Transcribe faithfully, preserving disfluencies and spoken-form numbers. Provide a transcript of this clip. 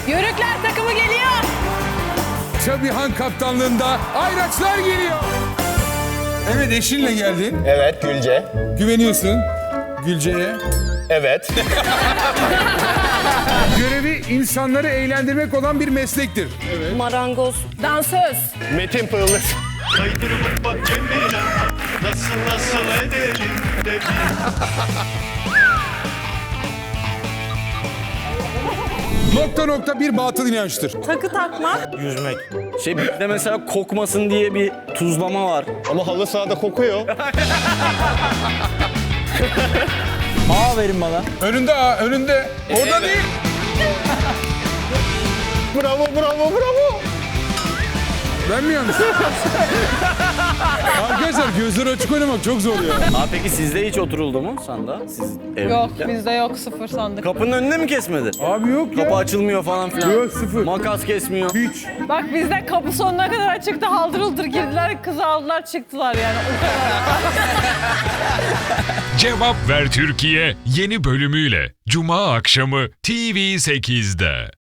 Yörükler takımı geliyor. Sabihan kaptanlığında Ayraçlar geliyor. Evet, eşinle geldin. Evet, Gülce. Güveniyorsun Gülce'ye. Evet. Görevi insanları eğlendirmek olan bir meslektir. Marangoz. Dansöz. Metin Pırılır. Kaydırıp bak kendine nasıl nasıl edelim de bir. Nokta nokta bir batıl inançtır. Takı takmak. Yüzmek. Şey bir de mesela kokmasın diye bir tuzlama var. Ama halı sahada kokuyor. A verin bana. Önünde ha, önünde. Orada değil. Bravo, bravo, bravo. Ben mi yanlış? Arkadaşlar gözleri açık oynamak çok zor ya. Aa peki sizde hiç oturuldu mu sanda? Siz Yok evliyken? bizde yok sıfır sandık. Kapının önüne mi kesmedi? Abi yok ya. Kapı açılmıyor falan filan. Yok, sıfır. Makas kesmiyor. Hiç. Bak bizde kapı sonuna kadar açıktı, haldır huldur girdiler, kızı aldılar çıktılar yani o kadar. Cevap Ver Türkiye yeni bölümüyle Cuma akşamı T V sekizde.